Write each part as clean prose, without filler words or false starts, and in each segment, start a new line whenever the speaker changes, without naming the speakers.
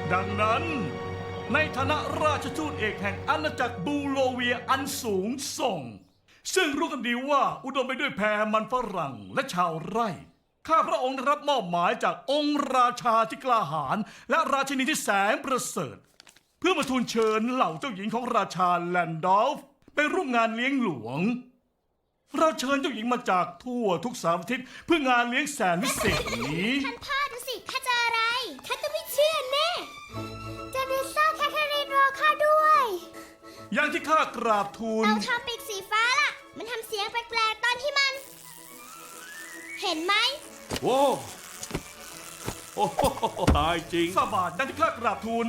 ดังนั้นในฐานะราชทูตเอกแห่งอาณาจักรบูโลเวียอันสูงส่งซึ่งรู้กันดีว่าอุดมไปด้วยแพมันฝรั่งและชาวไร่ข้าพระองค์ได้รับมอบหมายจากองค์ราชาที่กล้าหาญและราชินีที่แสนประเสริฐเพื่อมาทูลเชิญเหล่าเจ้าหญิงของราชาแลนดอลฟ์ไปร่วมงานเลี้ยงหลวงเราเชิญเจ้าหญิงมาจากทั่วทุกสารทิศเพื่องานเลี้ยงแสนวิเศษนี้
ท่านพ่อดูสิข้าเจออะไรข้าจะไม่เชื่อแน่เจเนซ่าแคทเธอรีนรอข้าด้วย
อย่างที่ข้ากราบทูล
เราทำปีกสีฟ้าล่ะมันทำเสียงแปลกๆตอนที่มันเห็นไหม
โว้โอ้โหตายจริง
ฝ่าบาทอย่างที่ข้ากราบทูล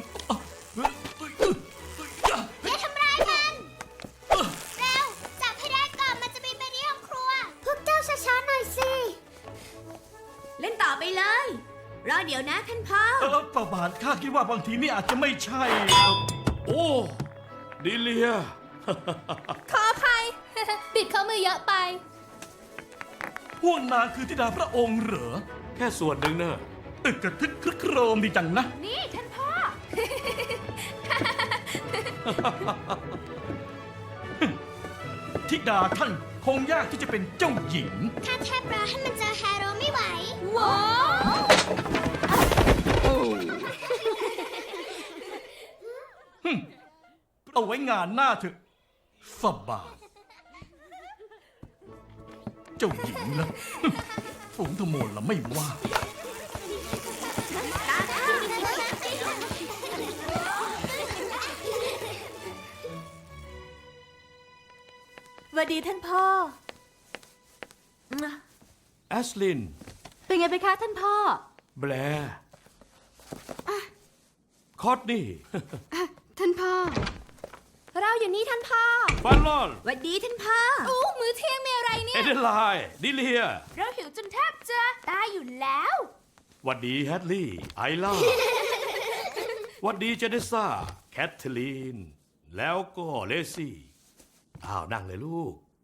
อย่าทำร้ายมันเร็วจับให้ได้ก่อนมันจะบินไปที่ห้องครัวพวกเจ้าช้าๆหน่อยสิเล่นต่อไปเลยรอเดี๋ยวนะท่านพ่อ
ฝ่าบาทข้าคิดว่าบางทีนี่อาจจะไม่ใช่
โอ้ดิเลีย
ขออภัย บิดข้อมือเยอะไป
พวกนางคือธิดาพระองค์เหรอ
แค่ส่วนหนึ่งเนอะ
ตึกกระทึกครึกโครมดีจังนะ
นี่ท่านพ่อ
ธิดาท่านคงยากที่จะเป็นเจ้าหญิง
ข้าแทบรอให้มันเจอแฮร์โรไม่ไหว
ว้าว
เอาไว้งานหน้าเถอะฝ่าบาทเจ้าหญิงนะ ฝูงทโมนละไม่ว่า
สวัสดีท่านพ่อ
แอสลิน
เป็นไงไปคะท่านพ่อ
แบร์คอตนี่
ท่านพ่อ เราอยู่นี่ท่านพ่อ
ฟันลอน
สวัสดีท่านพ่ออู้มื้อเที่ยงมีอะไรเนี่
เอย เดนไลน์ดิเลีย
เราหิวจนแทบจะตายอยู่แล้ว
หวัดดีแฮดลี่ ไอล่า หวัดดีเจเนซ่า แคทเธอรีน แล้วก็เลซี่ อ้าว นั่งเลยลูก